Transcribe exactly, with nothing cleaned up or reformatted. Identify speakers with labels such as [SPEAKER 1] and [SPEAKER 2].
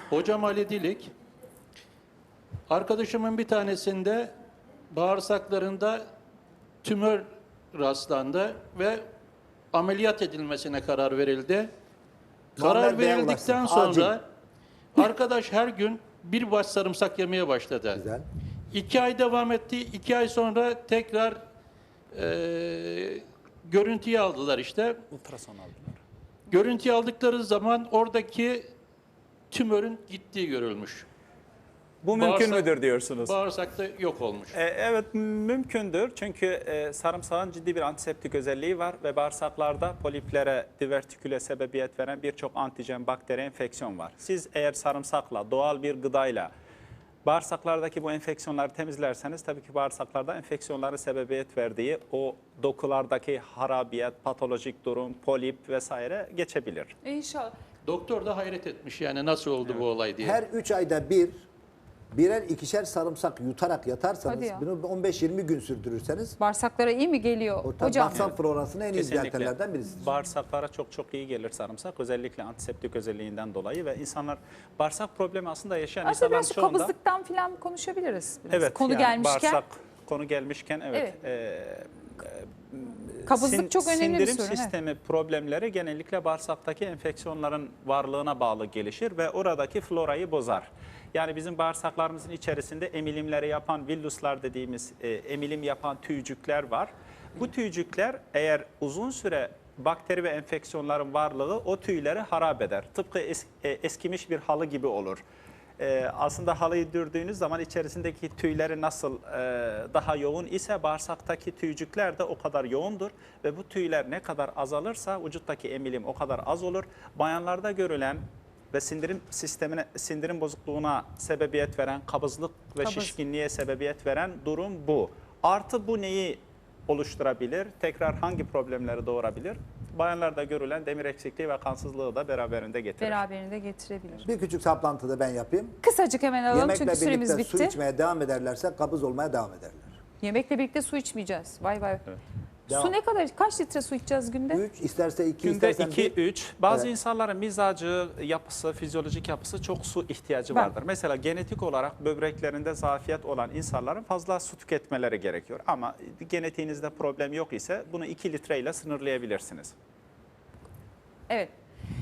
[SPEAKER 1] Hocam Ali Dilik, arkadaşımın bir tanesinde bağırsaklarında tümör rastlandı ve ameliyat edilmesine karar verildi. Karar
[SPEAKER 2] Muammer Bey'e
[SPEAKER 1] verildikten
[SPEAKER 2] ulaşsın.
[SPEAKER 1] sonra arkadaş her gün bir baş sarımsak yemeye başladı.
[SPEAKER 2] Güzel.
[SPEAKER 1] İki ay devam etti. İki ay sonra tekrar e, görüntüyü aldılar işte.
[SPEAKER 3] Ultrason aldılar.
[SPEAKER 1] Görüntüyü aldıkları zaman oradaki tümörün gittiği görülmüş.
[SPEAKER 3] Bu mümkün
[SPEAKER 1] Bağırsak-
[SPEAKER 3] müdür diyorsunuz?
[SPEAKER 1] Bağırsakta yok olmuş.
[SPEAKER 3] E, evet mümkündür çünkü e, sarımsağın ciddi bir antiseptik özelliği var ve bağırsaklarda poliplere, divertiküle sebebiyet veren birçok antijen, bakteri, enfeksiyon var. Siz eğer sarımsakla, doğal bir gıdayla bağırsaklardaki bu enfeksiyonları temizlerseniz tabii ki bağırsaklarda enfeksiyonların sebebiyet verdiği o dokulardaki harabiyet, patolojik durum, polip vesaire geçebilir.
[SPEAKER 4] İnşallah.
[SPEAKER 1] Doktor da hayret etmiş yani nasıl oldu bu olay diye.
[SPEAKER 2] Her üç ayda bir birer ikişer sarımsak yutarak yatarsanız,
[SPEAKER 4] Hadi ya.
[SPEAKER 2] bunu on beş yirmi gün sürdürürseniz
[SPEAKER 4] Bağırsaklara iyi mi geliyor
[SPEAKER 2] o
[SPEAKER 4] hocam?
[SPEAKER 2] bağırsak florasına en iyi düzeltenlerden birisidir.
[SPEAKER 3] Bağırsaklara çok çok iyi gelir sarımsak. Özellikle antiseptik özelliğinden dolayı ve insanlar bağırsak problemi aslında yaşayan
[SPEAKER 4] Aslında
[SPEAKER 3] insanların
[SPEAKER 4] biraz şu
[SPEAKER 3] çoğunda...
[SPEAKER 4] kabızlıktan falan konuşabiliriz. Biraz.
[SPEAKER 3] Evet,
[SPEAKER 4] Konu
[SPEAKER 3] yani
[SPEAKER 4] gelmişken.
[SPEAKER 3] Bağırsak konu gelmişken evet.
[SPEAKER 4] Evet.
[SPEAKER 3] e,
[SPEAKER 4] Kabızlık
[SPEAKER 3] sin-
[SPEAKER 4] çok önemli bir
[SPEAKER 3] sindirim
[SPEAKER 4] sorun, evet.
[SPEAKER 3] sistemi problemleri genellikle bağırsaktaki enfeksiyonların varlığına bağlı gelişir ve oradaki florayı bozar. Yani bizim bağırsaklarımızın içerisinde emilimleri yapan villuslar dediğimiz e, emilim yapan tüycükler var. Bu tüycükler eğer uzun süre bakteri ve enfeksiyonların varlığı o tüyleri harap eder. Tıpkı es, e, eskimiş bir halı gibi olur. Ee, aslında halıyı dürdüğünüz zaman içerisindeki tüyleri nasıl e, daha yoğun ise bağırsaktaki tüycükler de o kadar yoğundur ve bu tüyler ne kadar azalırsa vücuttaki emilim o kadar az olur. Bayanlarda görülen ve sindirim sistemine, sindirim bozukluğuna sebebiyet veren kabızlık ve
[SPEAKER 4] Kabız.
[SPEAKER 3] şişkinliğe sebebiyet veren durum bu. Artı bu neyi oluşturabilir? Tekrar hangi problemleri doğurabilir? Bayanlarda görülen demir eksikliği ve kansızlığı da beraberinde getirir.
[SPEAKER 4] Beraberinde getirebilir.
[SPEAKER 2] Bir küçük saplantıda ben yapayım.
[SPEAKER 4] Kısacık hemen alalım
[SPEAKER 2] Yemekle
[SPEAKER 4] çünkü süremiz
[SPEAKER 2] birlikte su
[SPEAKER 4] bitti.
[SPEAKER 2] içmeye devam ederlerse kabız olmaya devam ederler.
[SPEAKER 4] Yemekle birlikte su içmeyeceğiz. Vay vay.
[SPEAKER 2] Devam.
[SPEAKER 4] Su ne kadar, kaç litre su içeceğiz günde?
[SPEAKER 2] üç isterse iki
[SPEAKER 3] Günde
[SPEAKER 2] istersen
[SPEAKER 3] iki
[SPEAKER 2] bir.
[SPEAKER 3] üç. Bazı
[SPEAKER 2] Evet.
[SPEAKER 3] insanların mizacı, yapısı, fizyolojik yapısı çok su ihtiyacı
[SPEAKER 4] Ben-
[SPEAKER 3] vardır. Mesela genetik olarak böbreklerinde zafiyet olan insanların fazla su tüketmeleri gerekiyor. Ama genetiğinizde problem yok ise bunu iki litre ile sınırlayabilirsiniz.
[SPEAKER 4] Evet.